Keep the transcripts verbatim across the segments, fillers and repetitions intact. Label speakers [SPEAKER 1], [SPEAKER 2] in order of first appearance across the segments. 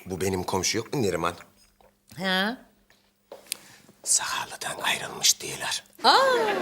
[SPEAKER 1] Bu benim komşu yok mu Neriman?
[SPEAKER 2] Ha?
[SPEAKER 1] Sakarlı'dan ayrılmış diyorlar.
[SPEAKER 2] Aa,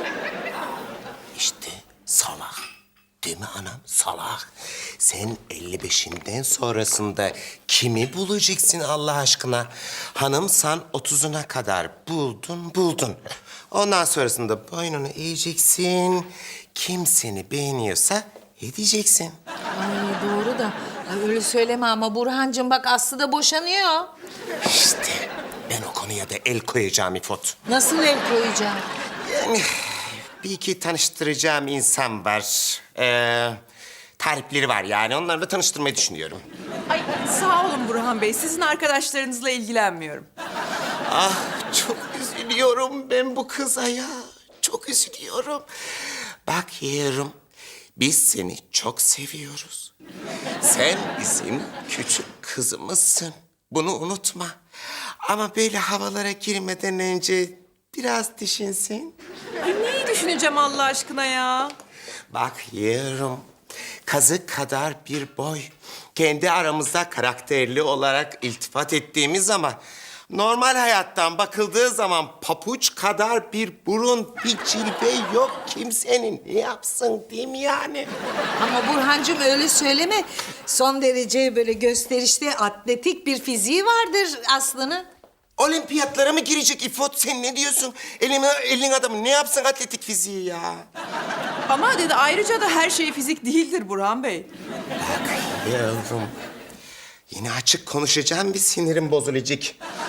[SPEAKER 1] İşte salak. Değil mi anam? Salak. Sen elli beşinden sonrasında kimi bulacaksın Allah aşkına? Hanımsan otuzuna kadar buldun buldun. Ondan sonrasında boynunu eğeceksin. Kim seni beğeniyorsa edeceksin.
[SPEAKER 2] ay doğru da. Ay öyle söyleme ama Burhancığım bak Aslı da boşanıyor.
[SPEAKER 1] İşte ben o konuya da el koyacağım İfot.
[SPEAKER 2] Nasıl el koyacağım?
[SPEAKER 1] Yani bir iki tanıştıracağım insan var. Ee, tarifleri var yani. Onlarla tanıştırmayı düşünüyorum.
[SPEAKER 3] Ay sağ olun Burhan Bey. Sizin arkadaşlarınızla ilgilenmiyorum.
[SPEAKER 1] Ah çok üzülüyorum ben bu kıza ya. Çok üzülüyorum. Bak yeğenim, biz seni çok seviyoruz. Sen bizim küçük kızımızsın. Bunu unutma. Ama böyle havalara girmeden önce biraz düşünsün.
[SPEAKER 3] Ay neyi düşüneceğim Allah aşkına ya?
[SPEAKER 1] Bak yeğenim, kazık kadar bir boy. Kendi aramızda karakterli olarak iltifat ettiğimiz zaman... normal hayattan bakıldığı zaman papuç kadar bir burun, bir cilve yok kimsenin. Ne yapsın değil mi yani?
[SPEAKER 2] Ama Burhancığım öyle söyleme. Son derece böyle gösterişli, atletik bir fiziği vardır Aslı'nın.
[SPEAKER 1] Olimpiyatlara mı girecek İfot? Sen ne diyorsun? Elin, elin adamı ne yapsın atletik fiziği ya?
[SPEAKER 3] Ama dedi ayrıca da her şey fizik değildir Burhan Bey.
[SPEAKER 1] Bak yavrum, yine açık konuşacağım bir sinirim bozulacak.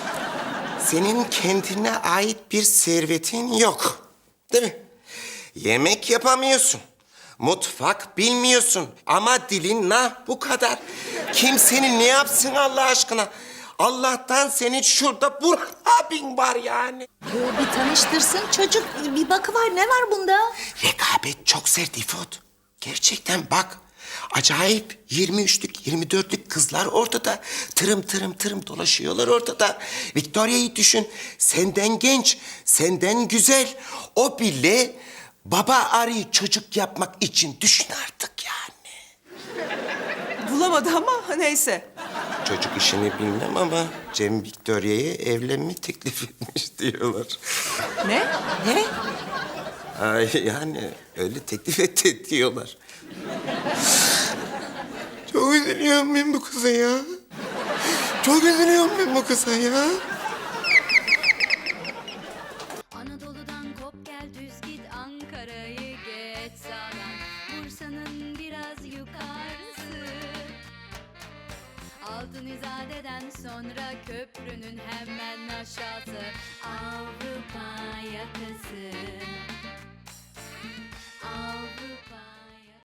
[SPEAKER 1] Senin kendine ait bir servetin yok. Değil mi? Yemek yapamıyorsun. Mutfak bilmiyorsun. Ama dilin nah bu kadar. Kim seni ne yapsın Allah aşkına? Allah'tan senin şurada Burhan abin var yani.
[SPEAKER 2] Yo, bir tanıştırsın çocuk. Bir bakıver ne var bunda?
[SPEAKER 1] Rekabet çok sert İfot. Gerçekten bak. Acayip yirmi üçlük, yirmi dörtlük kızlar ortada. Tırım tırım tırım dolaşıyorlar ortada. Victoria'yı düşün. Senden genç, senden güzel. O bile baba arıyı çocuk yapmak için düşün artık yani.
[SPEAKER 3] Bulamadı ama neyse.
[SPEAKER 1] Çocuk işini bilmem ama Cem Victoria'ya evlenme teklif etmiş diyorlar.
[SPEAKER 3] Ne?
[SPEAKER 2] Ne?
[SPEAKER 1] Ay yani öyle teklif etti diyorlar. Çok üzülüyorum ben bu kıza ya. Çok üzülüyorum ben bu kıza ya.
[SPEAKER 4] Anadolu'dan kop gel düz git Ankara'yı geç sağdan Bursa'nın biraz yukarısı Altın İzade'den sonra köprünün hemen aşağısı